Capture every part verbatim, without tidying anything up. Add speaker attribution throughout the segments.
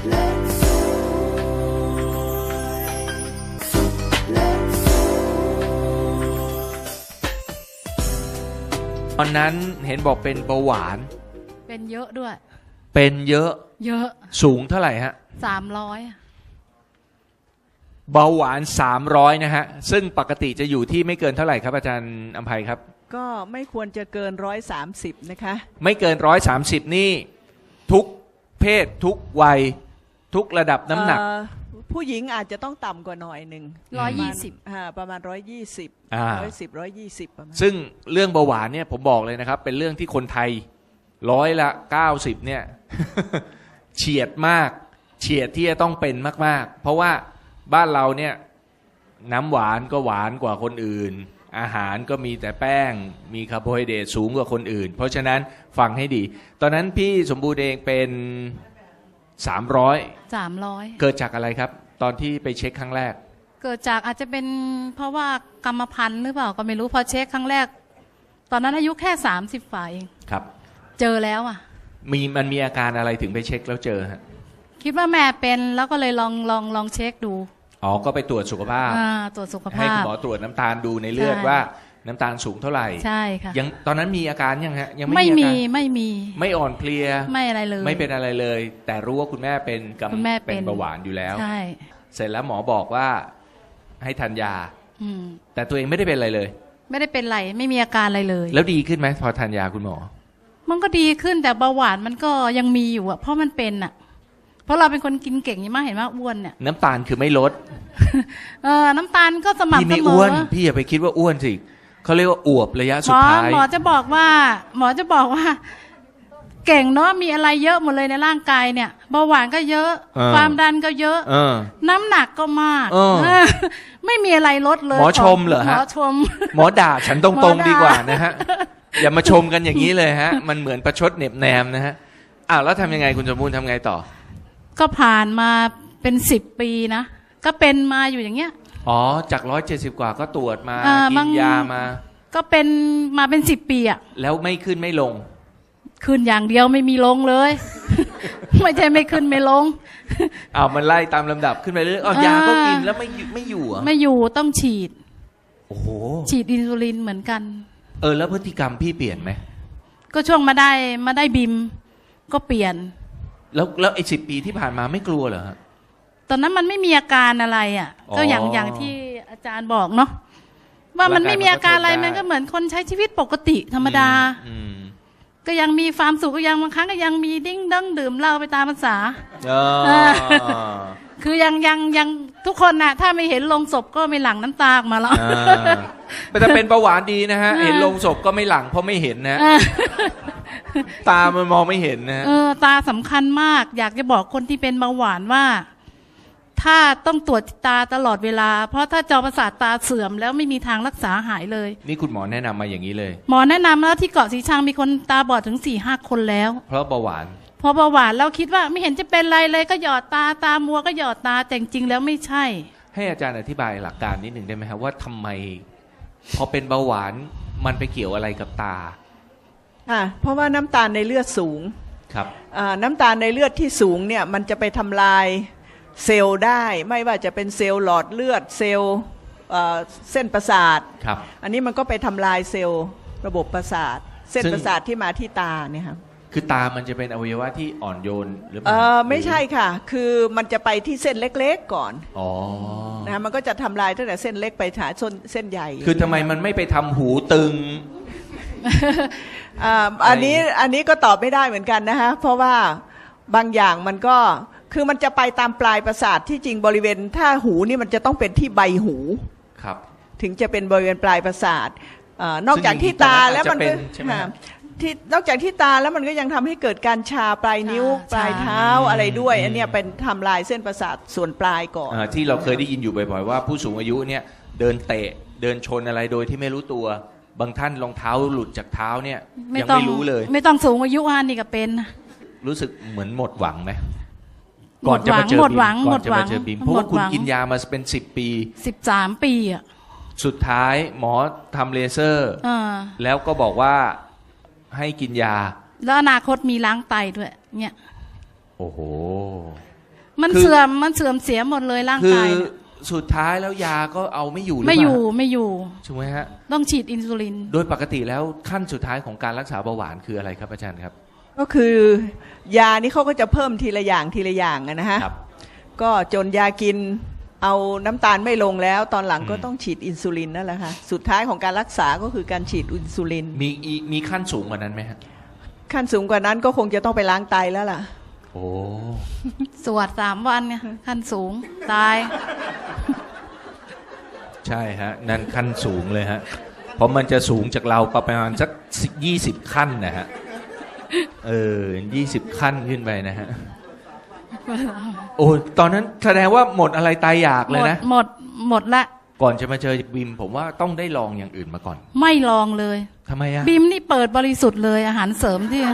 Speaker 1: ตอนนั้นเห็นบอกเป็นเบาหวาน
Speaker 2: เป็นเยอะด้วย
Speaker 1: เป็นเยอะ
Speaker 2: เยอะ
Speaker 1: สูงเท่าไหร่ฮะ
Speaker 2: สามร้อย
Speaker 1: เบาหวานสามร้อยนะฮะซึ่งปกติจะอยู่ที่ไม่เกินเท่าไหร่ครับอาจารย์อำไพครับ
Speaker 3: ก็ไม่ควรจะเกินร้อยสามสิบนะคะ
Speaker 1: ไม่เกินร้อยสามสิบนี่ทุกเพศทุกวัยทุกระดับน้ำหนัก
Speaker 3: ผู้หญิงอาจจะต้องต่ำกว่าหน่อยหนึ่ง
Speaker 2: ร้อยยี่สิบ
Speaker 3: ประมาณร้อยยี่สิบร้อยสิบร้อยยี่สิบประมาณ
Speaker 1: ซึ่งเรื่องเบาหวานเนี่ยผมบอกเลยนะครับเป็นเรื่องที่คนไทยร้อยละเก้าสิบเนี่ย เฉียดมากเฉียดที่จะต้องเป็นมากๆเพราะว่าบ้านเราเนี่ยน้ำหวานก็หวานกว่าคนอื่นอาหารก็มีแต่แป้งมีคาร์โบไฮเดรตสูงกว่าคนอื่นเพราะฉะนั้นฟังให้ดีตอนนั้นพี่สมบูรณ์เองเป็นสามร้อย
Speaker 2: สามร้อย
Speaker 1: เกิดจากอะไรครับตอนที่ไปเช็คครั้งแรก
Speaker 2: เกิดจากอาจจะเป็นเพราะว่ากรรมพันธุ์หรือเปล่าก็ไม่รู้พอเช็คครั้งแรกตอนนั้นอายุแค่สามสิบฝ่าเอง
Speaker 1: ครับ
Speaker 2: เจอแล้วอ่ะ
Speaker 1: มีมันมีอาการอะไรถึงไปเช็คแล้วเจอฮะ
Speaker 2: คิดว่าแม่เป็นแล้วก็เลยลองลองลองเช็คดู
Speaker 1: อ๋อก็ไปตรวจสุขภาพ
Speaker 2: ตรวจสุขภาพ
Speaker 1: ให้คุณหมอตรวจน้ำตาลดูในเลือดว่าน้ำตาลสูงเท่าไหร่
Speaker 2: ใช่ค่ะ
Speaker 1: ยังตอนนั้นมีอาการยังฮะยัง
Speaker 2: ไม่มีไม่มี
Speaker 1: ไม่อ่อนเพลีย
Speaker 2: ไม่อะไรเลย
Speaker 1: ไม่เป็นอะไรเลยแต่รู้ว่าคุณแม่เป็นกำเป็นเบาหวานอยู่แล้ว
Speaker 2: ใช่
Speaker 1: เสร็จแล้วหมอบอกว่าให้ทานยาแต่ตัวเองไม่ได้เป็นอะไรเลย
Speaker 2: ไม่ได้เป็นไรไม่มีอาการอะไรเลย
Speaker 1: แล้วดีขึ้นไหมพอทานยาคุณหมอ
Speaker 2: มันก็ดีขึ้นแต่เบาหวานมันก็ยังมีอยู่อ่ะเพราะมันเป็นอ่ะเพราะเราเป็นคนกินเก่งอย่างมากเห็นว่าอ้วนเนี่ย
Speaker 1: น้ำตาลคือไม่ลด
Speaker 2: เออน้ำตาลก็สม่ำเสมอพี่
Speaker 1: ไม่อ้วนพี่อย่าไปคิดว่าอ้วนสิเขาเรียกว่าอวบระยะสุดท้าย
Speaker 2: หมอจะบอกว่าหมอจะบอกว่าเก่งเนาะมีอะไรเยอะหมดเลยในร่างกายเนี่ยเบาหวานก็เยอะความดันก็เยอะน้ำหนักก็มากไม่มีอะไรลดเลย
Speaker 1: หมอชมเหรอฮะ
Speaker 2: หมอชม
Speaker 1: หมอด่าฉันตรงๆดีกว่านะฮะอย่ามาชมกันอย่างนี้เลยฮะมันเหมือนประชดเหน็บแนมนะฮะอ้าวแล้วทำยังไงคุณสมบูรณ์ทำไงต่อ
Speaker 2: ก็ผ่านมาเป็นสิบปีนะก็เป็นมาอยู่อย่างเงี้ย
Speaker 1: อ๋อจากร้อยเจ็ดสิบกว่าก็ตรวจมากินยามา
Speaker 2: ก็เป็นมาเป็นสิบปีอะ
Speaker 1: แล้วไม่ขึ้นไม่ลง
Speaker 2: ขึ้นอย่างเดียวไม่มีลงเลย ไม่ใช่ไม่ขึ้นไม่ลง
Speaker 1: อ้าวมันไล่ตามลำดับขึ้นไปเรื่อยอ๋อยาก็กินแล้วไม่ไม่อยู่อ่ะ
Speaker 2: ไม่อยู่ต้องฉีด
Speaker 1: โอ้โห
Speaker 2: ฉีดอินซูลินเหมือนกัน
Speaker 1: เออแล้วพฤติกรรมพี่เปลี่ยนไหม
Speaker 2: ก็ช่วงมาได้มาได้บิมก็เปลี่ยน
Speaker 1: แล้วแล้วไอ้สิบปีที่ผ่านมาไม่กลัวเหรอฮะ
Speaker 2: ตอนนั้นมันไม่มีอาการอะไรอ่ะก็อย่างอย่างที่อาจารย์บอกเนาะว่ามันไม่มีอาการอะไรมันก็เหมือนคนใช้ชีวิตปกติธรรมดาก็ยังมีความสุขก็ยังบางครั้งก็ยังมีดิ้งดั้งดื่มเหล้าไปตามภาษาคือยังยังยังทุกคนน่ะถ้าไม่เห็นลงศพก็ไม่หลั่งน้ำตาออกมาแล้ว
Speaker 1: แต่ถ้าเป็นเบาหวานดีนะฮะเห็นลงศพก็ไม่หลั่งเพราะไม่เห็นนะตามันมองไม่เห็นนะ
Speaker 2: เออตาสำคัญมากอยากจะบอกคนที่เป็นเบาหวานว่าถ้าต้องตรวจตาตลอดเวลาเพราะถ้าจอประสาทตาเสื่อมแล้วไม่มีทางรักษาหายเลย
Speaker 1: นี่คุณหมอแนะนำมาอย่างนี้เลย
Speaker 2: หมอแนะนำแล้วที่เกาะสีชังมีคนตาบอดถึงสี่ห้าคนแล้ว
Speaker 1: เพราะเบาหวาน
Speaker 2: เพราะเบาหวานเราคิดว่าไม่เห็นจะเป็นไรเลยก็หยอดตาตามัวก็หยอดตาแต่จริงๆแล้วไม่ใช่
Speaker 1: ให้อาจารย์อธิบายหลักการนิดหนึ่งได้ไหมครับว่าทำไมพอเป็นเบาหวานมันไปเกี่ยวอะไรกับตา
Speaker 3: อ่าเพราะว่าน้ำตาลในเลือดสูง
Speaker 1: ครับ
Speaker 3: อ่าน้ำตาลในเลือดที่สูงเนี่ยมันจะไปทำลายเซลล์ได้ไม่ว่าจะเป็นเซลล์หลอดเลือดเซลล์เส้นประสาท
Speaker 1: ครับ
Speaker 3: อันนี้มันก็ไปทำลายเซลล์ระบบประสาทเส้นประสาทที่มาที่ตาเนี่ยครับ
Speaker 1: คือตามันจะเป็นอวัยวะที่อ่อนโยนหรือเปล่า
Speaker 3: เออไม่ใช่ค่ะคือมันจะไปที่เส้นเล็กๆก่อน
Speaker 1: อ๋อ
Speaker 3: นะมันก็จะทำลายตั้งแต่เส้นเล็กไปหาส้นเส้นใหญ่
Speaker 1: คือทำไมมันไม่ไปทำหูตึง
Speaker 3: อันนี้อันนี้ก็ตอบไม่ได้เหมือนกันนะฮะเพราะว่าบางอย่างมันก็คือมันจะไปตามปลายประสาทที่จริงบริเวณถ้าหูนี่มันจะต้องเป็นที่ใบหู
Speaker 1: ครับ
Speaker 3: ถึงจะเป็นบริเวณปลายประสาทนอกจากที่ตาแล้วมันก็ที่นอกจากที่ตาแล้วมันก็ยังทำให้เกิดการชาปลายนิ้วปลายเท้าอะไรด้วยอันนี้เป็นทำลายเส้นประสาทส่วนปลายก่อน
Speaker 1: ที่เราเคยได้ยินอยู่บ่อยๆว่าผู้สูงอายุเนี่ยเดินเตะเดินชนอะไรโดยที่ไม่รู้ตัวบางท่านรองเท้าหลุดจากเท้าเนี่ยยังไม่รู้เลย
Speaker 2: ไม่ต้องสูงอายุอันนี้ก็เป็น
Speaker 1: รู้สึกเหมือนหมดหวังไหมก่อนจะมาเจอบิมก่อนจะมาเจอบิมเพราะว่าคุณกินยามาเป็นสิบปี
Speaker 2: สิบสามปีอ่ะ
Speaker 1: สุดท้ายหมอทำเลเซอร์แล้วก็บอกว่าให้กินยา
Speaker 2: แล้วอนาคตมีล้างไตด้วยเนี่ย
Speaker 1: โอ้โห
Speaker 2: มัน
Speaker 1: คือ
Speaker 2: เสื่อมมันเสื่อมเสียหมดเลยร่าง
Speaker 1: คือก
Speaker 2: ายเนี่ย
Speaker 1: สุดท้ายแล้วยาก็เอาไม่อยู่หรือ
Speaker 2: ไม่
Speaker 1: เป
Speaker 2: อ
Speaker 1: ล่า
Speaker 2: ยู่ไม่อยู่
Speaker 1: ถูกไหมฮะ
Speaker 2: ต้องฉีดอินซูลิน
Speaker 1: โดยปกติแล้วขั้นสุดท้ายของการรักษาเบาหวานคืออะไรครับอาจารย์ครับ
Speaker 3: ก็คือยานี่เขาก็จะเพิ่มทีละอย่างทีละอย่างอะนะฮะ
Speaker 1: ครับ
Speaker 3: ก็จนยากินเอาน้ำตาลไม่ลงแล้ว ตอนหลังก็
Speaker 1: อืม
Speaker 3: ต้องฉีดอินซูลินนั่นแหละค่ะสุดท้ายของการรักษาก็คือการฉีดอินซูลิน
Speaker 1: มีอีมีขั้นสูงกว่านั้นไหมฮะ
Speaker 3: ขั้นสูงกว่านั้นก็คงจะต้องไปล้างไตแล้วล่ะ
Speaker 1: โอ้
Speaker 2: สวดสามวันไงขั้นสูงตาย
Speaker 1: ใช่ฮะ นั่นขั้นสูงเลยฮะ เพราะมันจะสูงจากเราประมาณสักยี่สิบขั้นนะฮะ เออยี่สิบขั้นขึ้นไปนะฮะ โอ้ตอนนั้นแสดงว่าหมดอะไรตายอยาก
Speaker 2: ห
Speaker 1: เล
Speaker 2: ม
Speaker 1: ย
Speaker 2: ด
Speaker 1: นะ
Speaker 2: หมดหมดละ
Speaker 1: ก่อนจะมาเจอบิมผมว่าต้องได้ลองอย่างอื่นมาก่อน
Speaker 2: ไม่ลองเลย
Speaker 1: ทำไมอะ
Speaker 2: บิมนี่เปิดบริสุทธิ์เลยอาหารเสริมที่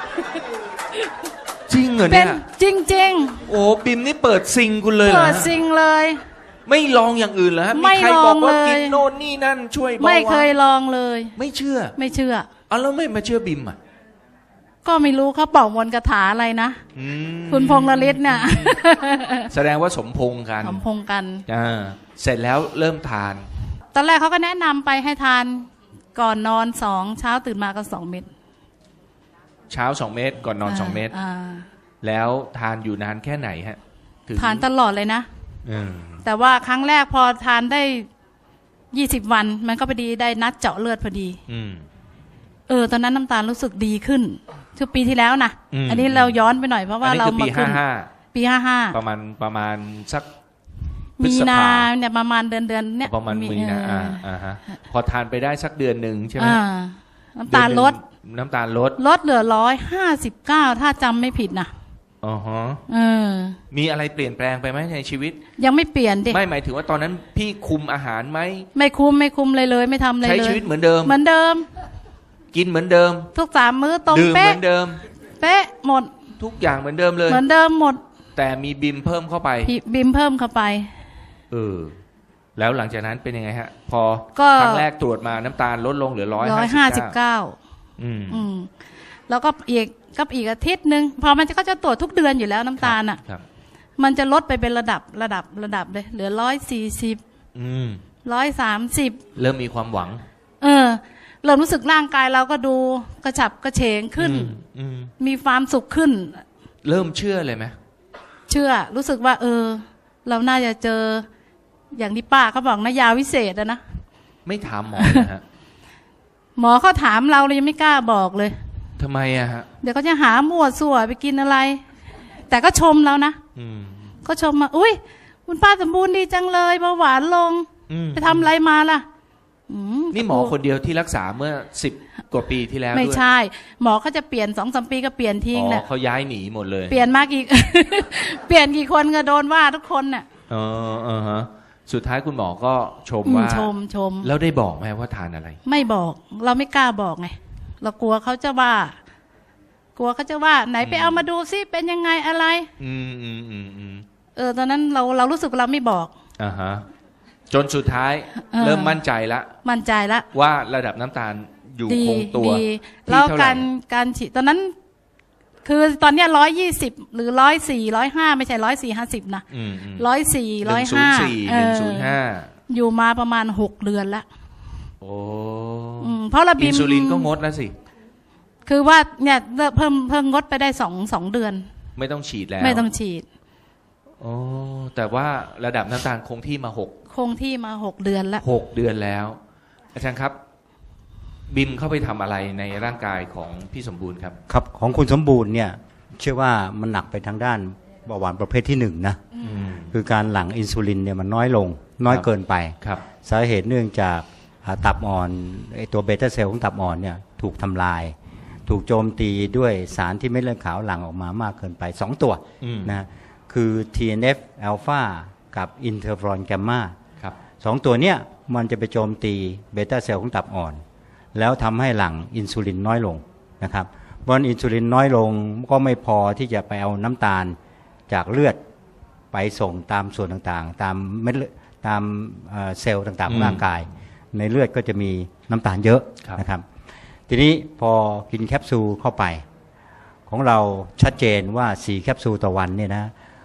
Speaker 1: จริงเหรอ
Speaker 2: เป็
Speaker 1: เนี่
Speaker 2: น
Speaker 1: ย
Speaker 2: จริง
Speaker 1: โอ้บิมนี่เปิดซิงคุณเลย
Speaker 2: ๆ
Speaker 1: เหรอ
Speaker 2: เปิด
Speaker 1: ฮะ
Speaker 2: ซิงเลย
Speaker 1: ไม่ลองอย่างอื่นเหรอฮะ
Speaker 2: ไม่
Speaker 1: มีใครบอกว่า
Speaker 2: ลองเลย
Speaker 1: กินโน่นนี่นั่นช่วยเบาหวาน
Speaker 2: ไม่เคยลองเลย
Speaker 1: ไม่เชื่อ
Speaker 2: ไม่เชื่อ
Speaker 1: เอาแล้วไม่มาเชื่อบิมอ่ะ
Speaker 2: ก็ไม่รู้เขาเป่ามนต์คาถาอะไรนะ
Speaker 1: อืม
Speaker 2: คุณพงษ์ละลิศเนี่ย
Speaker 1: แสดงว่าสมพงษ์กัน
Speaker 2: สมพงษ์กัน
Speaker 1: อ่าเสร็จแล้วเริ่มทาน
Speaker 2: ตอนแรกเขาก็แนะนำไปให้ทานก่อนนอนสองเช้าตื่นมาก็สองเม็ด
Speaker 1: เช้าสองเม็ดก่อนนอนสองเม็ด
Speaker 2: า
Speaker 1: แล้วทานอยู่นานแค่ไหนฮะถึง
Speaker 2: ทานตลอดเลยนะ
Speaker 1: อืม
Speaker 2: แต่ว่าครั้งแรกพอทานได้ยี่สิบวัน มันก็พอดีได้นัดเจาะเลือดพอดี
Speaker 1: อืม
Speaker 2: เออ ตอนนั้นน้ำตาลรู้สึกดีขึ้นคือปีที่แล้วนะ
Speaker 1: อืม
Speaker 2: อันนี้เราย้อนไปหน่อยเพราะว่า
Speaker 1: อันนี้
Speaker 2: เรา
Speaker 1: คือ
Speaker 2: มา
Speaker 1: ปี
Speaker 2: ขึ้
Speaker 1: ห้าน ห้า
Speaker 2: ปีห้าห้า
Speaker 1: ประมาณประมาณสักพฤ
Speaker 2: มี
Speaker 1: ษ
Speaker 2: นา
Speaker 1: ภา
Speaker 2: เนี่ยประมาณเดือนเดือนเนี่ย
Speaker 1: ประมาณมีนา
Speaker 2: เอ
Speaker 1: อ่า
Speaker 2: อ
Speaker 1: อ่าฮะพอทานไปได้สักเดือนหนึ่งใช่ไหม
Speaker 2: อ่าน้ำตาลลด
Speaker 1: เอนหนึ่งน้ำตาลลด
Speaker 2: ลดเหลือร้อยห้าสิบเก้าถ้าจำไม่ผิดนะ
Speaker 1: อ๋อฮะ
Speaker 2: เออ
Speaker 1: มีอะไรเปลี่ยนแปลงไปไหมในชีวิต
Speaker 2: ยังไม่เปลี่ยนดิ
Speaker 1: ไม่หมายถึงว่าตอนนั้นพี่คุมอาหารไหม
Speaker 2: ไม่คุ้มไม่คุ้มเลยเลย ไม่ทำอะไร
Speaker 1: ใช้
Speaker 2: เลย
Speaker 1: ชีวิตเหมือนเดิม
Speaker 2: เหมือนเดิม
Speaker 1: กินเหมือนเดิม
Speaker 2: ทุกสามมื้อตรง
Speaker 1: ดื่มเห
Speaker 2: เป๊ะ
Speaker 1: มือนเดิม
Speaker 2: เป๊ะหมด
Speaker 1: ทุกอย่างเหมือนเดิมเลย
Speaker 2: เหมือนเดิมหมด
Speaker 1: แต่มีบิมเพิ่มเข้าไป
Speaker 2: พี่บิมเพิ่มเข้าไป
Speaker 1: เออ แล้วหลังจากนั้นเป็นยังไงฮะ พอ
Speaker 2: ก็
Speaker 1: ครั้งแรกตรวจมาน้ำตาลลดลงเหลือร้อย
Speaker 2: ร้อย
Speaker 1: ห้า
Speaker 2: ห้า
Speaker 1: สิ
Speaker 2: สิ
Speaker 1: บบ เก้า
Speaker 2: เก้า
Speaker 1: อืม
Speaker 2: อืมแล้วก็อีกก็อีกอาทิตย์หนึ่งพอมันจะก็จะตรวจทุกเดือนอยู่แล้วน้ำตาลอ่ะ
Speaker 1: ครับ
Speaker 2: มันจะลดไปเป็นระดับระดับระดับเลย เหลือร้อยสี่สิบ
Speaker 1: อืม
Speaker 2: ร้อยสามสิบ
Speaker 1: เริ่มมีความหวัง
Speaker 2: เออเริ่มรู้สึกร่างกายเราก็ดูกระฉับกระเฉงขึ้น
Speaker 1: อืมอืม
Speaker 2: มีความสุขขึ้น
Speaker 1: เริ่มเชื่อเลยไหม
Speaker 2: เชื่อรู้สึกว่า เออ เราน่าจะเจอ อย่างที่ป้าเขาบอกนะยาวิเศษอะนะ
Speaker 1: ไม่ถามหมอนะฮะ
Speaker 2: หมอเขาถามเราเรายังไม่กล้าบอกเลย
Speaker 1: ทำไมอะฮะ
Speaker 2: เดี๋ยวเขาจะหามั่วสั่วไปกินอะไร แต่ก็ชมเรานะ
Speaker 1: อืม
Speaker 2: ก็ชมมาอุ้ยคุณป้าสมบูรณ์ดีจังเลยเบาหวานลง
Speaker 1: อืม
Speaker 2: ไปทำอะไรมาล่ะอื
Speaker 1: นี่หมอคนเดียวที่รักษาเมื่อสิบกว่าปีที่แล้ว
Speaker 2: ไม่
Speaker 1: ด้วย
Speaker 2: ใช่ หมอเขาจะเปลี่ยนสองสามปีก็เปลี่ยนทิ้ง
Speaker 1: อ๋อ
Speaker 2: แหละ
Speaker 1: เขาย้ายหนีหมดเลย
Speaker 2: เปลี่ยนมากอีก เปลี่ยนกี่คนก็โดนว่าทุกคนน่ะ
Speaker 1: เออเออฮะ สุดท้ายคุณหมอก็ชม
Speaker 2: อืม
Speaker 1: ว่า
Speaker 2: ชมชม
Speaker 1: แล้วได้บอกไหมว่าทานอะไร
Speaker 2: ไม่บอก เราไม่กล้าบอกไงเรากลัวเขาจะว่า กลัวเขาจะว่า ไหนไปเอามาดูซิเป็นยังไงอะไร
Speaker 1: อืมอืมอืมอืม
Speaker 2: เออตอนนั้นเราเรารู้สึกเราไม่บอก
Speaker 1: อ่าฮะ จนสุดท้าย
Speaker 2: เออ
Speaker 1: เริ่มมั่นใจละ
Speaker 2: มั่นใจละ
Speaker 1: ว่าระดับน้ำตาลอยู่
Speaker 2: ดี
Speaker 1: คงตัว
Speaker 2: ดี
Speaker 1: ที่
Speaker 2: แล้ว
Speaker 1: เท่าไหร่
Speaker 2: การการฉีดตอนนั้น คือตอนเนี้ยร้อยยี่สิบหรือร้อยสี่ร้อยห้าไม่ใช่ร้อยสี่ห้าสิบนะ
Speaker 1: อืมอืม
Speaker 2: ร้อยสี่
Speaker 1: ห
Speaker 2: ร้อ
Speaker 1: นึ่
Speaker 2: ย
Speaker 1: งศูน
Speaker 2: ห้า
Speaker 1: ย์สี่หนึ่งศูนย์ห้า
Speaker 2: อยู่มาประมาณหกเดือนละ
Speaker 1: โอ้
Speaker 2: อืมเพราะระบิ
Speaker 1: อิ
Speaker 2: ม
Speaker 1: นซูลินก็งดแล้วสิ
Speaker 2: คือว่าเนี่ยเพิ่มเพิ่มงดไปได้สองสองเดือน
Speaker 1: ไม่ต้องฉีดแล้ว
Speaker 2: ไม่ต้องฉีด
Speaker 1: โอ้แต่ว่าระดับน้ำตาลคงที่มาหก
Speaker 2: คงที่มาหกเดือนละ
Speaker 1: หกเดือนแล้ว อาจารย์ครับ บิมเข้าไปทำอะไรในร่างกายของพี่สมบูรณ์ครับ
Speaker 4: ครับของคุณสมบูรณ์เนี่ยเชื่อว่ามันหนักไปทางด้านเบาหวานประเภทที่หนึ่งนะ
Speaker 1: อืม
Speaker 4: คือการหลั่งอินซูลินเนี่ยมันน้อยลง น้อย
Speaker 1: ครับ
Speaker 4: เกินไป
Speaker 1: ครับ
Speaker 4: สาเหตุเนื่องจากอ่าตับอ่อนไอตัวเบต้าเซลล์ของตับอ่อนเนี่ยถูกทำลาย ถูกโจมตีด้วยสารที่เม็ดเลือดขาวหลั่งออกมามากเกินไปสองตัว
Speaker 1: อืม
Speaker 4: นะคือ ที เอ็น เอฟ อลฟา กับอินเทอร์ฟรอนแกมมา
Speaker 1: ครับ
Speaker 4: สองตัวเนี่ยมันจะไปโจมตีเบต้าเซลล์ของตับอ่อน แล้วทำให้หลั่งอินซูลินน้อยลงนะครับเพราะอินซูลินน้อยลงก็ไม่พอที่จะไปเอาน้ำตาลจากเลือดไปส่งตามส่วนต่างๆ ตามเม็ดเลือดตามเอ่อเซลล์ต่างๆของร่างกาย ในเลือดก็จะมีน้ำตาลเยอะ
Speaker 1: ครับ
Speaker 4: นะครับทีนี้พอกินแคปซูลเข้าไป ของเราชัดเจนว่าสี่แคปซูลต่อวันเนี่ยนะ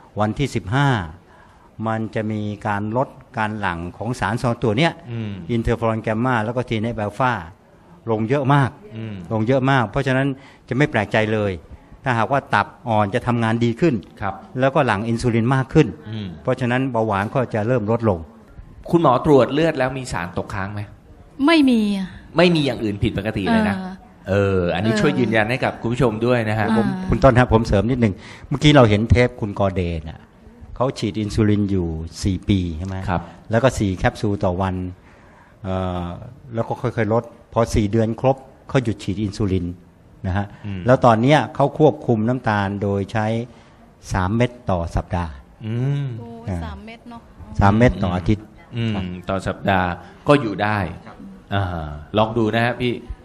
Speaker 4: วันที่สิบห้ามันจะมีการลดการหลั่งของสารสองตัวเนี้ย
Speaker 1: อืม
Speaker 4: อินเทอร์ฟลอนแกมมาแล้วก็ทีเนฟแอลฟาลงเยอะมาก
Speaker 1: อืม
Speaker 4: ลงเยอะมาก เพราะฉะนั้นจะไม่แปลกใจเลย ถ้าหากว่าตับอ่อนจะทำงานดีขึ้น
Speaker 1: ครับ
Speaker 4: แล้วก็หลั่งอินซูลินมากขึ้น
Speaker 1: อืม
Speaker 4: เพราะฉะนั้นเบาหวานก็จะเริ่มลดลง
Speaker 1: คุณหมอตรวจเลือดแล้วมีสารตกค้างไหม
Speaker 2: ไม่มีอะ
Speaker 1: ไม่มีอย่างอื่นผิดปกติเลยนะ
Speaker 2: เออ
Speaker 1: เออ อันนี้
Speaker 2: เออ
Speaker 1: ช่วยยืนยันให้กับคุณผู้ชมด้วยนะฮะ
Speaker 2: อ่า
Speaker 1: ผม
Speaker 4: คุณต้นครับผมเสริมนิดหนึ่งเมื่อกี้เราเห็นเทปคุณกอเดนอ่ะเขาฉีดอินซูลินอยู่สี่ปีใช่ไหม
Speaker 1: ครับ
Speaker 4: แล้วก็สี่แคปซูลต่อวันเอ่อแล้วก็ค่อยๆลด พอสี่เดือนครบเขาหยุดฉีดอินซูลินนะฮะ
Speaker 1: อืม
Speaker 4: แล้วตอนเนี้ยเขาควบคุมน้ำตาลโดยใช้สามเม็ดต่อสัปดาห์
Speaker 1: อืม
Speaker 2: โอ้ย
Speaker 4: อ่า
Speaker 2: สามเม็ดเนาะ
Speaker 4: สามเม็ดต่ออาทิตย์
Speaker 1: อืมต่อสัปดาห์ก็อยู่ได้อ่าลองดูนะฮะพี่